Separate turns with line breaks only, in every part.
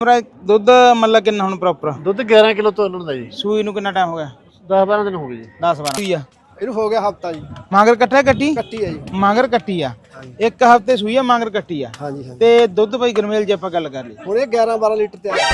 ਦੁੱਧ ਮਤਲਬ ਕਿੰਨਾ ਹੁਣ ਪ੍ਰੋਪਰ
ਦੁੱਧ 11 ਕਿਲੋ ਤੋਲਣ ਦਾ ਜੀ।
ਸੂਈ ਨੂੰ ਕਿੰਨਾ ਟਾਈਮ ਹੋ ਗਿਆ?
10-12 ਦਿਨ ਹੋ ਗਏ ਜੀ।
10-12 ਸੂਈ ਆ
ਇਹਨੂੰ ਹੋ ਗਿਆ ਹਫਤਾ ਜੀ।
ਮਾਂਗਰ ਕੱਟਿਆ ਕੱਟੀ
ਕੱਟੀ ਹੈ ਜੀ।
ਮਾਂਗਰ ਕੱਟੀ ਆ ਇੱਕ ਹਫਤੇ ਸੂਈ ਆ ਮਾਂਗਰ ਕੱਟੀ ਆ
ਹਾਂਜੀ ਹਾਂਜੀ।
ਤੇ ਦੁੱਧ ਬਾਈ ਗਰਮੇਲ ਜੇ ਆਪਾਂ ਗੱਲ ਕਰ ਲਈ
ਹੁਣ ਇਹ 11-12 ਲੀਟਰ ਤੇ ਆ।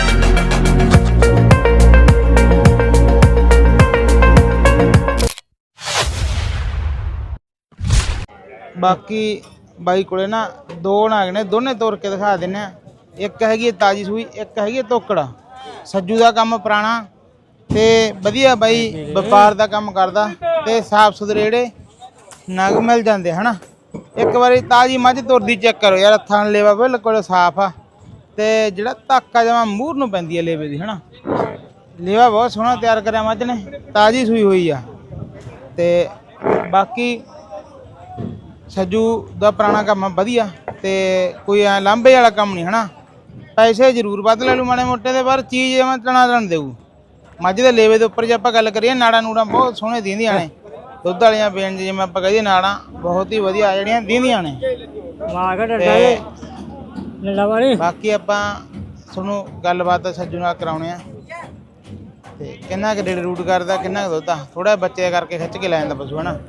ਬਾਕੀ ਬਾਈ ਕੋਲੇ ਨਾ ਦੋ ਨਾਗ ਨੇ ਦੋਨੇ ਤੋੜ ਕੇ ਦਿਖਾ ਦਿੰਨੇ ਆ। ਇੱਕ ਹੈਗੀ ਤਾਜੀ ਸੂਈ ਇੱਕ ਹੈਗੀ ਤੋਕੜਾ। ਸੱਜੂ ਦਾ ਕੰਮ ਪੁਰਾਣਾ ਤੇ ਵਧੀਆ ਬਾਈ ਵਪਾਰ ਦਾ ਕੰਮ ਕਰਦਾ ਤੇ ਸਾਫ ਸੁਥਰੇ ਜਿਹੜੇ ਨਗ ਮਿਲ ਜਾਂਦੇ ਹਨਾ। ਇੱਕ ਵਾਰੀ ਤਾਜੀ ਮੱਝ ਤੁਰਦੀ ਚੈੱਕ ਕਰੋ ਯਾਰ, ਥਣ ਲੇਵਾ ਬਿਲਕੁਲ ਸਾਫ ਆ ਤੇ ਜਿਹੜਾ ਧਾਕਾ ਜਮਾ ਮੂਹਰ ਨੂੰ ਪੈਂਦੀ ਹੈ ਲੇਵੇ ਦੀ ਹਨਾ। ਲੇਵਾ ਬਹੁਤ ਸੋਹਣਾ ਤਿਆਰ ਕਰਿਆ ਮੱਝ ਨੇ, ਤਾਜੀ ਸੂਈ ਹੋਈ ਆ ਤੇ ਬਾਕੀ ਸੱਜੂ ਦਾ ਪੁਰਾਣਾ ਕੰਮ ਆ ਵਧੀਆ ਤੇ ਕੋਈ ਐ ਲਾਂਭੇ ਵਾਲਾ ਕੰਮ ਨਹੀਂ ਹਨਾ। ਪੈਸੇ ਜ਼ਰੂਰ ਵੱਧ ਲੈ ਲੂ ਮਾੜੇ ਮੋਟੇ ਦੇ, ਪਰ ਚੀਜ਼ ਜਿਵੇਂ ਤਣਾ ਦੇਊ। ਮੱਝ ਦੇ ਲੇਵੇ ਦੇ ਉੱਪਰ ਜੇ ਆਪਾਂ ਗੱਲ ਕਰੀਏ ਨਾੜਾਂ ਨੂੜਾਂ ਬਹੁਤ ਸੋਹਣੇ ਦਿੰਦੀਆਂ ਨੇ। ਦੁੱਧ ਵਾਲੀਆਂ ਬੇਨ ਜਿਵੇਂ ਆਪਾਂ ਕਹੀਏ ਨਾੜਾਂ ਬਹੁਤ ਹੀ ਵਧੀਆ ਜਿਹੜੀਆਂ ਦਿੰਦੀਆਂ ਨੇ। ਬਾਕੀ ਆਪਾਂ ਤੁਹਾਨੂੰ ਗੱਲਬਾਤ ਸੱਜੂ ਨਾਲ ਕਰਾਉਣੇ ਆ ਤੇ ਕਿੰਨਾ ਕੁ ਡੇਢ ਰੂਟ ਕਰਦਾ ਕਿੰਨਾ ਕੁ ਦੁੱਧ ਆ। ਥੋੜਾ ਬੱਚੇ ਕਰਕੇ ਖਿੱਚ ਕੇ ਲੈ ਜਾਂਦਾ ਪਸ਼ੂ ਹਨਾ।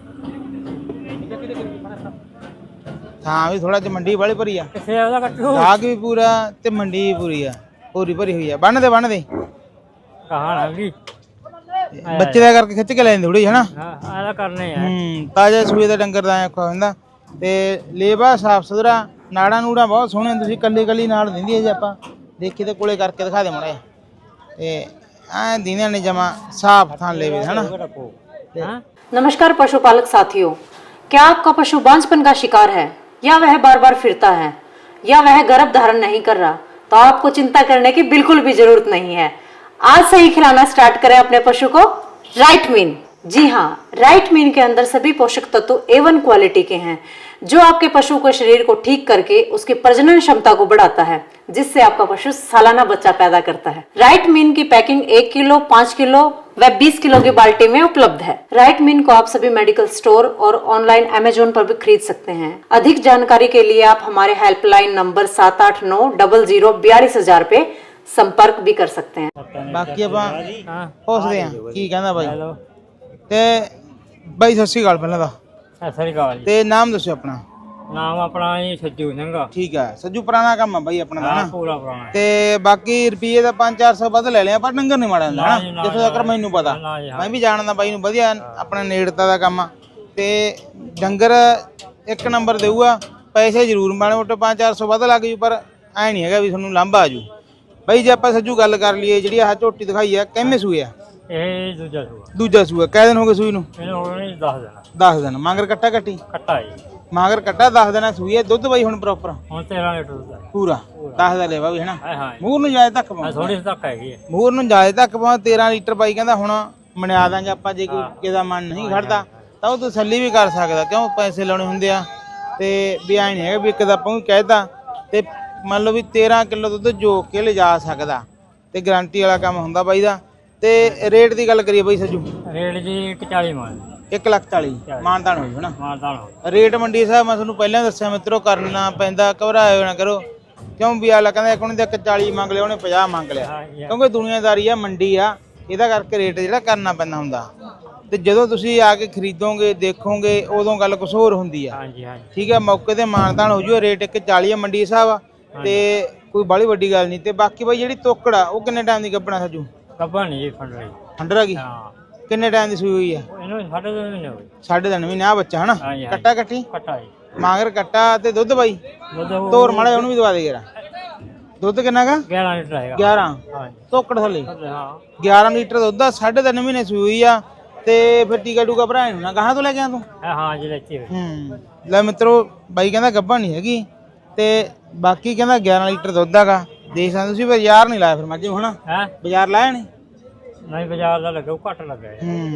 ਥਾਂ ਵੀ ਥੋੜਾ ਜਿਹਾ ਮੰਡੀ ਵਾਲੀ ਭਰੀ ਆ, ਗਾਹਕ ਵੀ ਪੂਰਾ ਤੇ ਮੰਡੀ ਵੀ ਪੂਰੀ ਆ, ਪੂਰੀ ਭਰੀ ਹੋਈ ਆ। ਬੰਨ ਦੇ ਬੱਚੇ ਦਾ ਕਰਕੇ ਖਿੱਚ ਕੇ ਲੈ ਜਾਂਦੇ ਥੋੜੀ ਹਨਾ। ਤਾਜ਼ਾ ਸੂਏ ਦਾ ਡੰਗਰ ਦਾ ਔਖਾ ਹੁੰਦਾ ਤੇ ਲੇਵਾ ਸਾਫ ਸੁਥਰਾ, ਨਾੜਾਂ ਨੂੜਾਂ ਬਹੁਤ ਸੋਹਣੇ। ਤੁਸੀਂ ਕੱਲੀ ਨਾੜ ਦਿੰਦੀ ਹੈ ਜੇ ਆਪਾਂ ਦੇਖੀ ਤੇ ਕੋਲੇ ਕਰਕੇ ਦਿਖਾ ਦੇ ਮਾੜਾ ਤੇ ਐ ਦਿੰਦੀਆਂ ਨੇ ਜਮਾ ਸਾਫ ਥਾਂ लेवे है ना।
नमस्कार पशुपालक साथियों, क्या आपका पशु बांझपन का शिकार है या वह बार बार फिरता है या वह गर्भ धारण नहीं कर रहा, तो आपको चिंता करने की बिल्कुल भी जरूरत नहीं है। आज से ही खिलाना स्टार्ट करें अपने पशु को राइट मीन। जी हाँ, राइट मीन के अंदर सभी पोषक तत्व A1 क्वालिटी के हैं जो आपके पशु के शरीर को ठीक करके उसकी प्रजनन क्षमता को बढ़ाता है, जिससे आपका पशु सालाना बच्चा पैदा करता है। राइट मीन की पैकिंग 1 किलो, 5 किलो व 20 किलो की बाल्टी में उपलब्ध है। राइट मीन को आप सभी मेडिकल स्टोर और ऑनलाइन अमेजोन पर भी खरीद सकते हैं। अधिक जानकारी के लिए आप हमारे हेल्पलाइन नंबर 78900424000 पे संपर्क भी कर सकते हैं।
बाकी ਆਪਾਂ ਪੁੱਛਦੇ ਆਂ ਕੀ ਕਹਿੰਦਾ ਬਾਈ ਤੇ ਬਾਈ ਸਤਿ ਸ਼੍ਰੀ ਅਕਾਲ ਪਹਿਲਾਂ ਦਾ।
ਸਤਿ ਸ੍ਰੀ ਅਕਾਲ ਜੀ।
ਤੇ ਨਾਮ ਦੱਸੋ ਆਪਣਾ?
ਨਾਮ ਆਪਣਾ ਜੀ ਸੱਜੂ ਸਿੰਘ।
ਠੀਕ ਹੈ ਸੱਜੂ, ਪੁਰਾਣਾ ਕੰਮ ਆ ਬਾਈ ਆਪਣਾ ਦਾ ਨਾ
ਪੂਰਾ ਪੁਰਾਣਾ।
ਤੇ ਬਾਕੀ ਰੁਪਏ ਦਾ 5-400 ਵੱਧ ਲੈ ਲਿਆ ਪਰ ਡੰਗਰ ਨਹੀਂ ਮਾੜਾ ਹੁੰਦਾ ਨਾ, ਜਿੱਥੋਂ ਤੱਕ ਮੈਨੂੰ ਪਤਾ। ਮੈਂ ਵੀ ਜਾਣਦਾ ਬਾਈ ਨੂੰ, ਵਧੀਆ ਆਪਣਾ ਨੇੜਤਾ ਦਾ ਕੰਮ ਆ ਤੇ ਡੰਗਰ ਇੱਕ ਨੰਬਰ ਦੇਊਗਾ। ਪੈਸੇ ਜ਼ਰੂਰ ਮਾੜੇ ਮੋਟੇ 5-400 ਵੱਧ ਲੱਗ ਜੂ, ਪਰ ਐ ਨਹੀਂ ਹੈਗਾ ਵੀ ਤੁਹਾਨੂੰ ਲਾਂਭਾ ਆ ਜੂ। ਬਾਈ ਜੇ ਆਪਾਂ ਸੱਜੂ ਗੱਲ ਕਰ ਲਈਏ, ਜਿਹੜੀ ਆਹ ਝੋਟੀ ਦਿਖਾਈ ਆ ਕਿੰਨੇ ਸੂਏ ਆ?
ਇਹ
ਦੂਜਾ ਸੂਆ। ਕਿੰਨੇ ਦਿਨ ਹੋ ਗਏ ਸੂਈ ਨੂੰ?
ਇਹਨੂੰ ਹੋ ਗਏ 10 ਦਿਨ।
10 ਦਿਨ। ਮਾਂਗਰ ਕੱਟਾ ਕੱਟੀ?
ਕੱਟਾ ਜੀ।
ਮਾਂਗਰ ਕੱਟਾ 10 ਦਿਨਾਂ ਸੂਈ ਹੈ। ਦੁੱਧ ਬਾਈ ਹੁਣ ਪ੍ਰੋਪਰ
ਹੁਣ 13 ਲੀਟਰ ਦੁੱਧ ਹੈ
ਪੂਰਾ। 10 ਦਾ ਲੈਵਾ ਵੀ ਹੈ ਨਾ।
ਹਾਂ
ਮੂਹਰ ਨੂੰ ਜਾਏ ਤੱਕ ਪਾਉਂ,
ਥੋੜੀ ਤੱਕ ਹੈਗੀ ਹੈ
ਮੂਹਰ ਨੂੰ ਜਾਏ ਤੱਕ ਪਾਉਂ। 13 ਲੀਟਰ ਬਾਈ ਕਹਿੰਦਾ ਹੁਣ ਮਨਿਆ ਦਾਂਗੇ ਆਪਾਂ। ਜੇ ਕੋਈ ਕਿਹਦਾ ਮਨ ਨਹੀਂ ਖੜਦਾ ਤਾਂ ਉਹ ਤਸੱਲੀ ਵੀ ਕਰ ਸਕਦਾ, ਕਿਉਂ ਪੈਸੇ ਲਾਉਣੇ ਹੁੰਦੇ ਆ ਤੇ ਵੀ ਐ ਨਹੀਂ ਹੈਗਾ ਵੀ ਇੱਕ ਦਾ ਆਪਾਂ ਕਹਿਤਾ ਤੇ ਮੰਨ ਲਓ ਵੀ 13 ਕਿਲੋ ਦੁੱਧ ਜੋ ਕੇ ਲਿਜਾ ਸਕਦਾ ਤੇ ਗਾਰੰਟੀ ਵਾਲਾ ਕੰਮ ਹੁੰਦਾ ਬਾਈ ਦਾ। ਤੇ ਰੇਟ ਦੀ ਗੱਲ ਕਰੀਏ ਬਾਈ ਸੱਜੂ?
ਰੇਟ ਜੀ 140 ਮਾਨ
1,40,000 ਮਾਨਦਾਨ ਹੋਈ ਹਨਾ।
ਮਾਨਦਾਨ
ਰੇਟ ਮੰਡੀ ਸਾਹਿਬ ਮੈਂ ਤੁਹਾਨੂੰ ਪਹਿਲਾਂ ਦੱਸਿਆ ਮਿੱਤਰੋ, ਕਰਨਾ ਪੈਂਦਾ, ਘਬਰਾਇਓ ਨਾ ਕਰੋ। ਕਿਉਂ ਵੀ ਆਲਾ ਕਹਿੰਦਾ ਇੱਕ ਉਹਨੇ 140 ਮੰਗ ਲਿਆ, ਉਹਨੇ 50 ਮੰਗ ਲਿਆ, ਕਿਉਂਕਿ ਦੁਨੀਆਦਾਰੀ ਆ, ਮੰਡੀ ਆ, ਇਹਦਾ ਕਰਕੇ ਰੇਟ ਜਿਹੜਾ ਕਰਨਾ ਪੈਂਦਾ ਹੁੰਦਾ। ਤੇ ਜਦੋਂ ਤੁਸੀਂ ਆ ਕੇ ਖਰੀਦੋਗੇ ਦੇਖੋਗੇ ਉਦੋਂ ਗੱਲ ਕੁਛ ਹੋਰ ਹੁੰਦੀ ਆ। ਠੀਕ ਹੈ, ਮੌਕੇ ਤੇ ਮਾਨਦਾਨ ਹੋ ਜੂ। ਰੇਟ 140 ਆ ਮੰਡੀ ਸਾਹਿਬ ਤੇ ਕੋਈ ਬਾਹਲੀ ਵੱਡੀ ਗੱਲ ਨਹੀਂ। ਤੇ ਬਾਕੀ ਬਾਈ ਜਿਹੜੀ ਤੋਕੜ ਆ ਉਹ ਕਿੰਨੇ ਟਾਈਮ ਦੀ ਗੱਭਣਾ ਸੱਜੂ?
ਗੱਭਣ ਨਹੀਂ ਜੀ,
ਫੰਡਰ ਆ ਗਈ। ਕਿੰਨੇ ਟਾਈਮ ਦੀ ਸੂਈ ਹੋਈ ਆ?
ਇਹਨੂੰ 3.5 ਮਹੀਨੇ ਹੋਏ।
3.5 ਮਹੀਨੇ। ਆ ਬੱਚਾ ਹਨਾ ਕੱਟਾ ਕੱਟੀ?
ਕੱਟਾ ਜੀ।
ਮਾਂਗਰ ਕੱਟਾ ਤੇ ਦੁੱਧ ਬਾਈ ਤੋਰ ਮਾੜਾ ਉਹਨੂੰ ਵੀ ਦਵਾ ਦੇ ਯਾਰ। ਦੁੱਧ ਕਿੰਨਾ ਗਾ?
11 ਲੀਟਰ ਹੈਗਾ।
11?
ਹਾਂ
ਤੋਕੜ ਥੱਲੇ?
ਹਾਂ
11 ਲੀਟਰ ਦੁੱਧ ਆ। 3.5 ਮਹੀਨੇ ਸੂਈ ਹੋਈ ਆ ਤੇ ਫਿਰ ਟੀਕਾ ਟੂਕਾ ਭਰਾ ਨੂੰ ਨਾ ਕਹਾਂ ਤੋਂ ਲੈ ਕੇ ਆ ਤੂੰ?
ਹਾਂ ਜੀ ਲੈਤੀ
ਲੈ ਮਿੱਤਰੋ, ਬਾਈ ਕਹਿੰਦਾ ਗੱਭਣ ਨਹੀਂ ਹੈਗੀ ਤੇ ਬਾਕੀ ਕਹਿੰਦਾ 11 ਲੀਟਰ ਦੁੱਧ ਹੈਗਾ। ਦੇਖ ਸਕਦੇ ਤੁਸੀਂ। ਬਾਜ਼ਾਰ ਨਹੀਂ ਲਾਇਆ ਫਿਰ ਮੱਝ ਨੂੰ ਹਨਾ? ਬਾਜ਼ਾਰ ਲਾਇਆ ਨਹੀਂ?
ਨਹੀਂ ਬਾਜ਼ਾਰ ਦਾ ਲੱਗਾ, ਘੱਟ ਲੱਗਾ।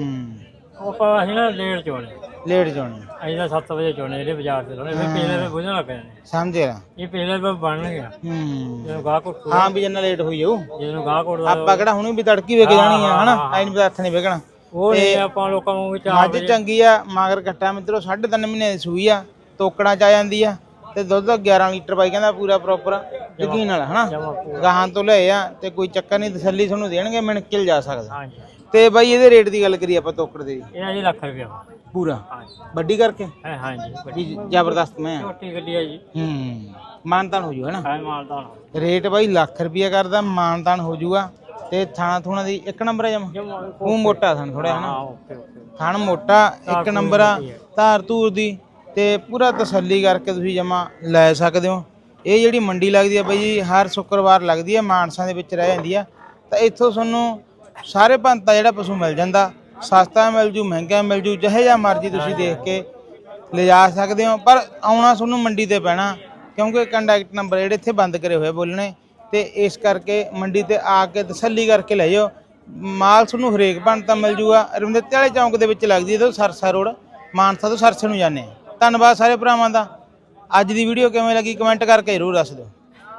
ਉਹ ਅਸੀਂ ਨਾ ਲੇਟ ਚੋਣੇ। ਅਸੀਂ ਤਾਂ 7 ਵਜੇ ਚੋਣੇ, ਜਿਹੜੇ ਬਾਜ਼ਾਰ ਤੇ ਲਾਉਣੇ। ਫਿਰ ਪਿਛਲੇ ਤੇ ਬੁਝਣ ਲੱਗ ਜਾਂਦੇ।
ਸਮਝਿਆ?
ਇਹ ਪਿਛਲੇ ਤੇ ਬਣ ਗਿਆ ਜਦੋਂ ਗਾਹ ਕੋਟ।
ਹਾਂ ਵੀ ਜਿੰਨਾ ਲੇਟ ਹੋਈ ਜਾਊ।
ਜਦੋਂ ਗਾਹ ਕੋਟ
ਆਪਾਂ ਕਿਹੜਾ ਹੁਣੇ ਵੀ ਤੜਕੀ ਵੇਖ ਜਾਣੀ ਆ ਹਨਾ। ਐ ਨਹੀਂ ਪਤਾ ਹੱਥ ਨਹੀਂ ਵੇਖਣਾ।
ਉਹ ਨਹੀਂ ਆਪਾਂ ਲੋਕਾਂ ਨੂੰ
ਮੱਝ ਚੰਗੀ ਆ। ਮਾਗਰ ਕੱਟਾ ਮਿੱਤਰੋ 3.5 ਮਹੀਨੇ ਦੀ ਸੂਈ ਆ। ਤੋਕੜਾਂ ਚ ਆ ਜਾਂਦੀ ਆ ਤੇ ਦੁੱਧ 11 ਲੀਟਰ ਬਾਈ ਕਹਿੰਦਾ ਪੂਰਾ ਪ੍ਰੋਪਰ ਯਕੀਨ ਨਾਲ ਹਨਾ
ਜਮਾ ਪੂਰਾ
ਗਾਹਾਂ ਤੋਂ ਲਏ ਆ ਤੇ ਕੋਈ ਚੱਕਰ ਨਹੀਂ, ਤਸੱਲੀ ਤੁਹਾਨੂੰ ਦੇਣਗੇ, ਮਿਣ ਕੇ ਜਾ ਸਕਦਾ।
ਹਾਂਜੀ
ਤੇ ਬਾਈ ਇਹਦੇ ਰੇਟ ਦੀ ਗੱਲ ਕਰੀਏ ਆਪਾਂ ਤੋਕੜ ਦੇ
ਇਹਨਾਂ ਜੀ ਲੱਖ ਰੁਪਏ
ਪੂਰਾ
ਹਾਂਜੀ
ਵੱਡੀ ਕਰਕੇ
ਹੈ ਹਾਂਜੀ
ਵੀ ਜ਼ਬਰਦਸਤ ਮੈਂ
ਛੋਟੀ ਗੱਡੀ ਹੈ ਜੀ
ਮਾਨਤਾਨ ਹੋ ਜੂ ਹੈਨਾ।
ਹੈ ਮਾਲਦਾਨ
ਰੇਟ ਬਾਈ ਲੱਖ ਰੁਪਿਆ ਕਰਦਾ, ਮਾਨਤਾਨ ਹੋ ਜੂਗਾ। ਤੇ ਥਾਣਾ ਥੂਣਾ ਦੀ ਇੱਕ ਨੰਬਰ ਹੈ ਜਮਾ, ਉਹ ਮੋਟਾ ਥਣ ਥੋੜਾ
ਹਾਂ
ਹਨਾ,
ਓਕੇ ਓਕੇ
ਥਣ ਮੋਟਾ ਇੱਕ ਨੰਬਰ ਆ, ਧਾਰ ਧੂਰ ਦੀ ਤੇ ਪੂਰਾ ਤਸੱਲੀ ਕਰਕੇ ਤੁਸੀਂ ਜਮਾ ਲੈ ਸਕਦੇ ਹੋ। ਇਹ ਜਿਹੜੀ ਮੰਡੀ ਲੱਗਦੀ ਆ ਬਾਈ ਜੀ ਹਰ ਸ਼ੁੱਕਰਵਾਰ ਲੱਗਦੀ ਆ, ਮਾਨਸਾ ਦੇ ਵਿੱਚ ਰਹਿ ਜਾਂਦੀ ਆ। ਤਾਂ ਇੱਥੋਂ ਤੁਹਾਨੂੰ ਸਾਰੇ ਭੰਤਾ ਜਿਹੜਾ ਪਸ਼ੂ ਮਿਲ ਜਾਂਦਾ, ਸਸਤਾ ਮਿਲ ਜੂ, ਮਹਿੰਗਾ ਮਿਲ ਜੂ, ਜਿਹੇ ਜਿਹਾ ਮਰਜ਼ੀ ਤੁਸੀਂ ਦੇਖ ਕੇ ਲਿਜਾ ਸਕਦੇ ਹੋ। ਪਰ ਆਉਣਾ ਤੁਹਾਨੂੰ ਮੰਡੀ ਤੇ ਪੈਣਾ, ਕਿਉਂਕਿ ਕੰਟੈਕਟ ਨੰਬਰ ਜਿਹੜੇ ਇੱਥੇ ਬੰਦ ਕਰੇ ਹੋਏ ਬੋਲਣੇ, ਤੇ ਇਸ ਕਰਕੇ ਮੰਡੀ ਤੇ ਆ ਕੇ ਤਸੱਲੀ ਕਰਕੇ ਲੈ ਜਾਓ। ਮਾਲ ਤੁਹਾਨੂੰ ਹਰੇਕ ਭੰਤਾ ਮਿਲ ਜੂਗਾ। ਰਵਿੰਦਰਤੇ ਵਾਲੇ ਚੌਂਕ ਦੇ ਵਿੱਚ ਲੱਗਦੀ ਹੈ, ਤੋਂ ਸਰਸਾ ਰੋਡ, ਮਾਨਸਾ ਤੋਂ ਸਰਸੇ ਨੂੰ ਜਾਂਦੇ ਆ। ਧੰਨਵਾਦ ਸਾਰੇ ਭਰਾਵਾਂ ਦਾ। ਅੱਜ ਦੀ ਵੀਡੀਓ ਕਿਵੇਂ ਲੱਗੀ ਕਮੈਂਟ ਕਰਕੇ ਜ਼ਰੂਰ ਦੱਸ ਦਿਓ।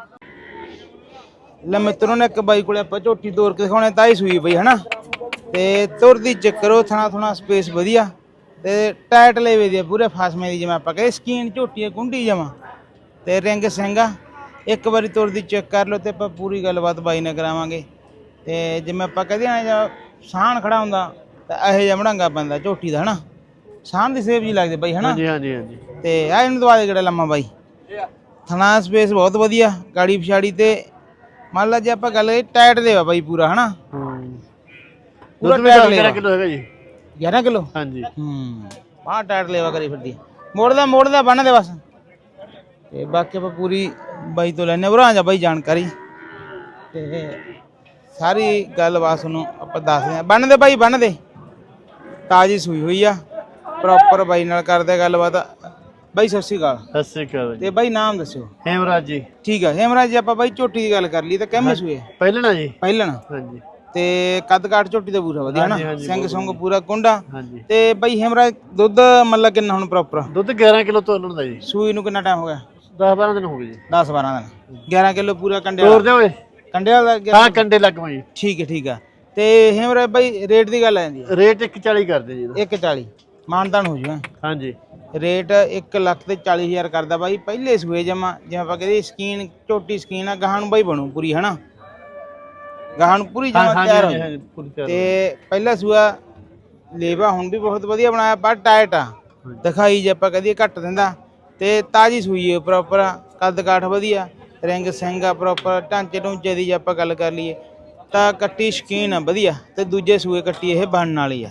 ਲੈ ਮਿੱਤਰੋਂ ਨੇ ਇੱਕ ਬਾਈ ਕੋਲੇ ਆਪਾਂ ਝੋਟੀ ਤੋਰ ਕੇ ਦਿਖਾਉਣੇ, ਤਾਂ ਹੀ ਸੂਈ ਬਈ ਹਨਾ, ਤੇ ਤੁਰਦੀ ਚੱਕਰੋ ਥਣਾ ਥਣਾ ਸਪੇਸ ਵਧੀਆ ਤੇ ਟਾਈਟ ਲੈਵੇ ਦੀ ਪੂਰੇ ਫਾਸਮੇ ਦੀ, ਜਿਵੇਂ ਆਪਾਂ ਕਹੇ ਸਕੀਨ ਝੋਟੀ ਕੁੰਡੀ ਜਮਾ ਤੇ ਰਿੰਗ ਸਿੰਘਾ। ਇੱਕ ਵਾਰੀ ਤੁਰਦੀ ਚੈੱਕ ਕਰ ਲਓ ਤੇ ਆਪਾਂ ਪੂਰੀ ਗੱਲਬਾਤ ਬਾਈ ਨਾਲ ਕਰਾਵਾਂਗੇ। ਤੇ ਜਿਵੇਂ ਆਪਾਂ ਕਹਦੇ ਆ ਜਾਂ ਸਾਹਣ ਖੜਾ ਹੁੰਦਾ ਤਾਂ ਇਹੋ ਜਿਹਾ ਮੜਾਂਗਾ ਪੈਂਦਾ ਝੋਟੀ ਦਾ ਹਨਾ, ਸਾਹਣ ਦੀ ਸੇਵ ਜੀ ਲੱਗਦੀ ਬਾਈ ਹਨਾ।
ਹਾਂਜੀ ਹਾਂਜੀ ਹਾਂਜੀ।
ਤੇ ਆ ਇਹਨੂੰ ਦਵਾ ਦੇ ਕਿਹੜਾ ਲੰਮਾ ਬਾਈ, ਥਣਾ ਸਪੇਸ ਬਹੁਤ ਵਧੀਆ, ਗਾੜੀ ਪਿਛਾੜੀ ਤੇ ਮੰਨ ਲਾ ਜੇ ਆਪਾਂ ਗੱਲ ਕਰੀਏ ਟਾਈਟ ਦੇ ਵਾ ਬਾਈ ਪੂਰਾ ਹਨਾ, ਪੂਰਾ ਟਾਈਟ ਲੈਵਾ।
11 ਕਿਲੋ ਹੈਗਾ ਜੀ।
11 ਕਿਲੋ
ਹਾਂਜੀ
ਬਾਹਰ ਟਾਈਟ ਲੈਵਾ ਕਰੀ ਫਿਰਦੀ, ਮੋੜਦਾ ਬੰਨ ਦੇ ਬਸ। ਤੇ ਬਾਕੀ ਆਪਾਂ ਪੂਰੀ ਬਾਈ ਤੋਂ ਲੈਣੇ ਉਰਾਂ ਜਾ ਬਾਈ ਜਾਣਕਾਰੀ, ਤੇ ਸਾਰੀ ਗੱਲਬਾਤ ਤੁਹਾਨੂੰ ਆਪਾਂ ਦੱਸਦੇ ਆ। ਬੰਨ ਦੇ ਬਾਈ ਬੰਨ ਦੇ, ਤਾਜ਼ੀ ਸੂਈ ਹੋਈ ਆ, ਪ੍ਰੋਪਰ ਬਾਈ ਨਾਲ ਕਰਦੇ ਗੱਲਬਾਤ। ਬਾਈ ਸਤਿ ਸ਼੍ਰੀ ਅਕਾਲ।
ਸਤਿ ਸ੍ਰੀ ਅਕਾਲ ਜੀ।
ਤੇ ਬਾਈ ਨਾਮ ਦੱਸਿਓ।
ਹੇਮਰਾਜ ਜੀ।
ਠੀਕ ਆ ਹੇਮਰਾਜ ਜੀ। ਆਪਾਂ ਬਾਈ ਝੋਟੀ ਦੀ ਗੱਲ ਕਰ ਲਈ ਤਾਂ ਕਿੰਨੇ ਸੂਏ
ਪਹਿਲਣਾ ਜੀ।
ਪਹਿਲਣ,
ਹਾਂਜੀ
ਤੇ ਕੱਦ ਕਾਠ ਝੋਟੀ ਦਾ ਪੂਰਾ ਵਧੀਆ ਹਨਾ, ਸਿੰਘ ਸੁੰਗ ਪੂਰਾ ਕੁੰਡਾ।
ਹਾਂਜੀ।
ਤੇ ਬਾਈ ਹੇਮਰਾਜ ਦੁੱਧ ਮਤਲਬ ਕਿੰਨਾ ਹੁਣ ਪ੍ਰੋਪਰ?
ਦੁੱਧ 11 ਕਿਲੋ ਤੋਲਣ ਦਾ ਜੀ।
ਸੂਈ ਨੂੰ ਕਿੰਨਾ ਟਾਈਮ ਹੋ ਗਿਆ?
10-12 ਦਿਨ ਹੋ ਗਏ ਜੀ।
10-12 ਦਿਨ। 11 ਕਿਲੋ ਪੂਰਾ ਕੰਡੇ
ਤੋਰ ਦੇ ਓਏ।
ਕੰਡੇ ਵਾਲਾ
ਹਾਂ ਕੰਡੇ ਲੱਗ ਪਏ ਜੀ।
ਠੀਕ ਆ। ਤੇ ਹੇਮਰਾਜ ਬਾਈ ਰੇਟ ਦੀ ਗੱਲ ਆ ਜਾਂਦੀ ਹੈ,
ਰੇਟ 140 ਕਰਦੇ ਜੀ।
140 ਮਾਨਤਾਨ ਹੋ ਜੂਗਾ।
ਹਾਂਜੀ
ਰੇਟ 1,40,000 ਕਰਦਾ ਬਾਈ, ਪਹਿਲੇ ਸੂਏ ਜਮਾ ਜਿਵੇਂ ਆਪਾਂ ਕਹਿੰਦੇ ਸਕੀਨ ਝੋਟੀ ਸਕੀਨ ਆ, ਗਾਹਾਂ ਨੂੰ ਬਾਈ ਬਣੂ ਪੂਰੀ ਹਨਾ, ਗਾਹਾਂ ਨੂੰ ਪੂਰੀ ਜਮਾ ਤਿਆਰ ਹੋ ਜਾਊ। ਤੇ ਪਹਿਲਾ ਸੂਆ ਲੇਵਾ ਹੁਣ ਵੀ ਬਹੁਤ ਵਧੀਆ ਬਣਾਇਆ, ਪਰ ਟਾਈਟ ਆ ਦਿਖਾਈ ਜੇ ਆਪਾਂ ਕਹਦੀਏ ਘੱਟ ਦਿੰਦਾ। ਤੇ ਤਾਜੀ ਸੂਈ ਹੈ ਪ੍ਰੋਪਰ, ਕੱਦ ਕਾਠ ਵਧੀਆ, ਰਿੰਗ ਸਿੰਘ ਆ ਪ੍ਰੋਪਰ, ਢਾਂਚੇ ਢੂੰਚੇ ਦੀ ਜੇ ਆਪਾਂ ਗੱਲ ਕਰ ਲਈਏ ਤਾਂ ਕੱਟੀ ਸ਼ਕੀਨ ਆ ਵਧੀਆ। ਤੇ ਦੂਜੇ ਸੂਏ ਕੱਟੀ ਇਹ ਬਣਨ ਵਾਲੀ ਆ।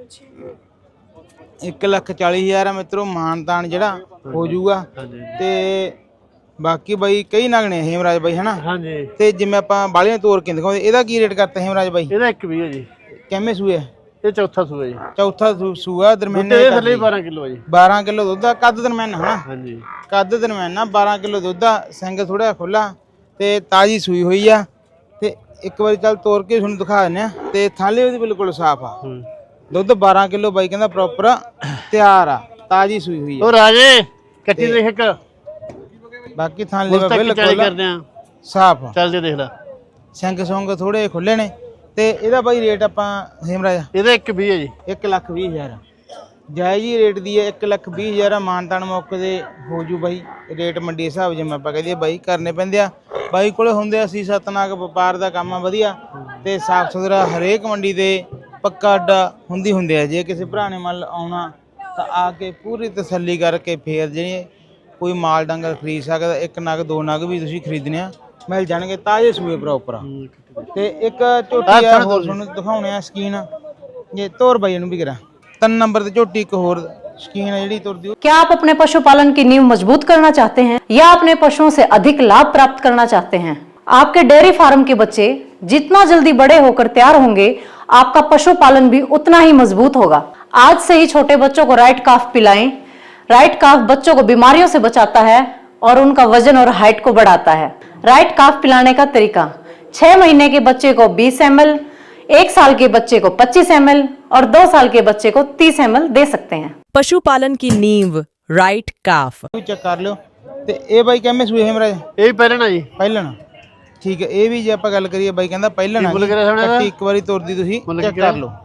1,40,000 ਆ ਮਿੱਤਰੋ, ਮਾਨਤਾਨ ਜਿਹੜਾ ਹੋ ਜਾਊਗਾ। ਤੇ ਬਾਕੀ ਬਾਈ ਕਈ ਨਗਣੇ ਹੇਮਰਾਜ ਬਾਈ ਹਨਾ।
ਹਾਂਜੀ।
ਤੇ ਜਿਵੇਂ ਆਪਾਂ ਬਾਲੀਆਂ ਤੋਰ ਕੇ ਦਿਖਾਉਂਦੇ, ਇਹਦਾ ਕੀ ਰੇਟ ਕਰਤਾ ਹੇਮਰਾਜ ਬਾਈ?
ਇਹਦਾ 120 ਹੈ ਜੀ।
ਕਿੰਨੇ ਸੂਏ?
ਇਹ ਚੌਥਾ ਸੂਆ ਜੀ।
ਚੌਥਾ ਸੂਆ ਦਰਮਿਆਨੇ
ਇਹ ਥੱਲੇ 12 ਕਿਲੋ ਜੀ।
12 ਕਿਲੋ ਦੁੱਧ ਆ, ਕੱਦ ਦਰਮਿਆਨਾ ਹਨਾ।
ਹਾਂਜੀ
ਕੱਦ ਦਰਮਿਆਨਾ 12 ਕਿਲੋ ਦੁੱਧ ਆ, ਸਿੰਘ ਥੋੜਾ ਖੁੱਲਾ ਤੇ ਤਾਜੀ ਸੂਈ ਹੋਈ ਆ। ਤੇ ਇੱਕ ਵਾਰੀ ਚੱਲ ਤੋਰ ਕੇ ਤੁਹਾਨੂੰ ਦਿਖਾ ਦਿੰਦੇ ਆ। ਤੇ ਥਾਲੇ ਉਹਦੀ ਬਿਲਕੁਲ ਸਾਫ ਆ, ਦੁੱਧ 12 ਕਿਲੋ ਬਾਈ ਕਹਿੰਦਾ ਪ੍ਰੋਪਰ ਤਿਆਰ ਆ, ਤਾਜੀ ਸੂਈ ਹੋਈ ਆ।
ਉਹ ਰਾਜੇ ਕੱਟੀ ਦੇਖ ਇੱਕ,
ਬਾਕੀ ਥਾਲੇ ਬਿਲਕੁਲ
ਕਰਦੇ ਆ
ਸਾਫ ਆ,
ਚੱਲਦੇ ਦੇਖ ਲੈ।
ਸਿੰਘ ਸੁੰਗ ਥੋੜੇ ਖੁੱਲੇ ਨੇ। ਤੇ ਇਹਦਾ ਬਾਈ ਰੇਟ ਆਪਾਂ ਹੇਮਰਾਜ
ਇਹਦਾ 120 ਹੈ ਜੀ।
1,20,000 ਜਾਇਜ਼ ਹੀ ਰੇਟ ਦੀ ਹੈ। 1,20,000 ਮਾਨਤਾਨ ਮੌਕੇ ਦੇ ਹੋ ਜੂ ਬਾਈ। ਰੇਟ ਮੰਡੀ ਹਿਸਾਬ ਜਿਵੇਂ ਆਪਾਂ ਕਹਦੇ ਬਾਈ ਕਰਨੇ ਪੈਂਦੇ ਆ, ਬਾਈ ਕੋਲੇ ਹੁੰਦੇ ਆ 6-7 ਨਾਗ, ਵਪਾਰ ਦਾ ਕੰਮ ਆ ਵਧੀਆ ਤੇ ਸਾਫ ਸੁਥਰਾ। ਹਰੇਕ ਮੰਡੀ ਦੇ ਪੱਕਾ ਅੱਡਾ ਹੁੰਦੇ ਆ। ਜੇ ਕਿਸੇ ਭਰਾ ਨੇ ਮੰਨ ਆਉਣਾ ਤਾਂ ਆ ਕੇ ਪੂਰੀ ਤਸੱਲੀ ਕਰਕੇ ਫੇਰ ਜਿਹੜੇ ਕੋਈ ਮਾਲ ਡੰਗਰ ਖਰੀਦ ਸਕਦਾ, ਇੱਕ ਨਗ ਦੋ ਨਗ ਵੀ ਤੁਸੀਂ ਖਰੀਦਣੇ ਆ ਮਿਲ ਜਾਣਗੇ, ਤਾਜ਼ੇ ਸੂਏ ਪ੍ਰੋਪਰ। ਤੇ ਇੱਕ ਝੋਟੀ ਆ ਹੋਰ ਤੁਹਾਨੂੰ ਦਿਖਾਉਣੇ ਆ ਸਕੀਨ, ਜੇ ਤੋਰ ਬਾਈ ਨੂੰ ਵੀ ਕਰਾਂ 3 नंबर ਤੇ ਝੋਟੀ ਇੱਕ ਹੋਰ ਸਕੀਨ ਹੈ ਜਿਹੜੀ ਤੁਰਦੀ।
क्या आप अपने पशुपालन की नींव मजबूत करना चाहते हैं या अपने पशुओं से अधिक लाभ प्राप्त करना चाहते हैं? आपके डेयरी फार्म के बच्चे जितना जल्दी बड़े होकर तैयार होंगे, आपका पशुपालन भी उतना ही मजबूत होगा। आज से ही छोटे बच्चों को राइट काफ पिलाएं। राइट काफ बच्चों को बीमारियों से बचाता है और उनका वजन और हाइट को बढ़ाता है। राइट काफ पिलाने का तरीका: 6 महीने के बच्चे को 20 ml, 1 साल के बच्चे को 25 ml और 2 साल के बच्चे को 30 ml दे सकते हैं।
पशुपालन की नींव राइट काफ।
ਚੈੱਕ ਕਰ ਲਿਓ। ਤੇ ਇਹ ਬਾਈ ਕਿੰਨੇ ਸੂਏ ਹੇਮਰਾਜ?
ਇਹ ਵੀ ਪਹਿਲਣਾ ਜੀ।
ਪਹਿਲਣਾ ਠੀਕ ਹੈ। ਇਹ ਵੀ ਜੇ ਆਪਾਂ ਗੱਲ ਕਰੀਏ ਬਾਈ ਕਹਿੰਦਾ ਪਹਿਲਣਾ ਕੱਟੀ ਇੱਕ ਵਾਰੀ ਤੁਰਦੀ ਤੁਸੀਂ ਚੈੱਕ ਕਰ ਲਓ।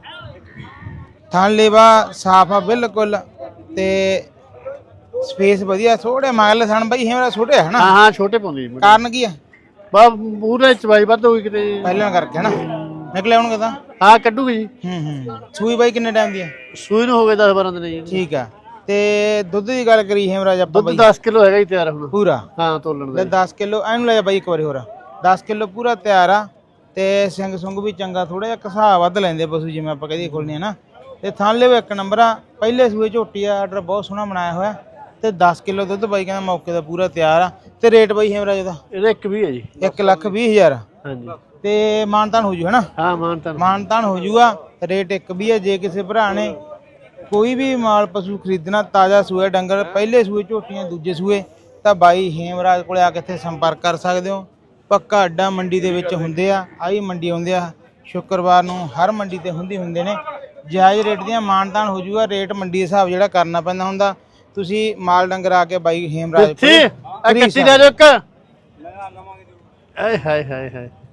ਥਣ ਲੇਵਾ ਸਾਫ ਆ ਬਿਲਕੁਲ ਤੇ ਸਪੇਸ ਵਧੀਆ। ਥੋੜੇ ਮਾਗਲੇ ਥਣ ਬਾਈ ਹੇਮਰਾਜ ਛੋਟੇ ਹੈ ਨਾ?
ਹਾਂ ਛੋਟੇ ਪਾਉਂਦੇ ਜੀ।
ਕਾਰਨ ਕੀ ਆ?
ਬਾ ਪੂਰੇ ਚਵਾਈ ਵੱਧ ਹੋਈ ਕਿਤੇ ਜੀ।
ਪਹਿਲਾਂ ਕਰਕੇ ਹਨਾ ਨਿਕਲੇ ਆਉਣਗੇ ਤਾਂ
ਹਾਂ ਕੱਢੂਗੀ ਜੀ।
ਸੂਈ ਬਾਈ ਕਿੰਨੇ ਟਾਈਮ ਦੀ ਹੈ?
ਸੂਈ ਨੂੰ ਹੋ ਗਏ 10-12 ਦਿਨ ਜੀ।
ਠੀਕ ਆ। ਤੇ ਦੁੱਧ ਦੀ ਗੱਲ ਕਰੀ ਹੇਮਰਾਜ ਆਪਾਂ
ਦੁੱਧ
ਬਾਈ
10 ਕਿਲੋ ਹੈਗਾ ਜੀ ਤਿਆਰ ਹੁਣ।
ਪੂਰਾ
ਹਾਂ ਤੋਲਣ ਦਾ
ਲੈ 10 ਕਿਲੋ ਐਨੂੰ ਲੈ ਜਾ ਬਾਈ ਇੱਕ ਵਾਰੀ ਹੋਰ 10 ਕਿਲੋ ਪੂਰਾ ਤਿਆਰ ਆ ਤੇ ਸਿੰਘ ਸੁੰਗ ਵੀ ਚੰਗਾ ਥੋੜਾ ਜਿਹਾ ਘਸਾ ਵੱਧ ਲੈਂਦੇ ਪਸ਼ੂ ਜਿਵੇਂ ਆਪਾਂ ਕਹਦੇ ਖੋਲਨੇ ਆ ਨਾ ਤੇ ਥਣ ਲਿਓ ਇੱਕ ਨੰਬਰ ਆ ਪਹਿਲੇ ਸੂਏ ਝੋਟੀ ਆ ਆਰਡਰ ਬਹੁਤ ਸੋਹਣਾ ਬਣਾਇਆ ਹੋਇਆ ਤੇ 10 ਕਿਲੋ ਦੁੱਧ ਬਾਈ ਕਹਿੰਦਾ ਮੌਕੇ ਦਾ ਪੂਰਾ ਤਿਆਰ ਆ ਤੇ ਰੇਟ ਬਾਈ ਹੇਮਰਾਜ ਦਾ
ਇਹਦਾ 1 ਵੀ ਹੈ ਜੀ।
1,20,000
ਹਾਂਜੀ
ਤੇ ਮਾਨਤਾਨ ਹੋ ਜੂ ਹਨਾ
ਹਾਂ ਮਾਨਤਾਨ
ਮਾਨਤਾਨ ਹੋ ਜੂਗਾ ਰੇਟ ਇੱਕ ਵੀ ਹੈ। ਜੇ ਕਿਸੇ ਭਰਾ ਨੇ ਕੋਈ ਵੀ ਮਾਲ ਪਸ਼ੂ ਖਰੀਦਣਾ ਤਾਜ਼ਾ ਸੂਏ ਡੰਗਰ ਪਹਿਲੇ ਸੂਏ ਝੋਟੀਆਂ ਦੂਜੇ ਸੂਏ ਤਾਂ ਬਾਈ ਹੇਮਰਾਜ ਕੋਲੇ ਆ ਕੇ ਇੱਥੇ ਸੰਪਰਕ ਕਰ ਸਕਦੇ ਹੋ। ਪੱਕਾ ਅੱਡਾ ਮੰਡੀ ਦੇ ਵਿੱਚ ਹੁੰਦੇ ਆ ਆਹੀ ਮੰਡੀ ਹੁੰਦੇ ਆ ਸ਼ੁੱਕਰਵਾਰ ਨੂੰ ਹਰ ਮੰਡੀ ਤੇ ਹੁੰਦੇ ਨੇ ਜਾਇਜ਼ ਰੇਟ ਦੀਆਂ ਮਾਨਤਾਨ ਹੋ ਜੂਗਾ। ਰੇਟ ਮੰਡੀ ਦੇ ਹਿਸਾਬ ਜਿਹੜਾ ਕਰਨਾ ਪੈਂਦਾ ਹੁੰਦਾ। ਤੁਸੀਂ ਮਾਲ ਡੰਗਰ ਆ ਕੇ ਬਾਈ ਹੇਮਰਾਜ
ਇੱਥੇ ਆ ਕੱਟੀ ਲੈ ਜਾਓ ਇੱਕ ਆਏ ਹਾਏ ਹਾਏ ਹਾਏ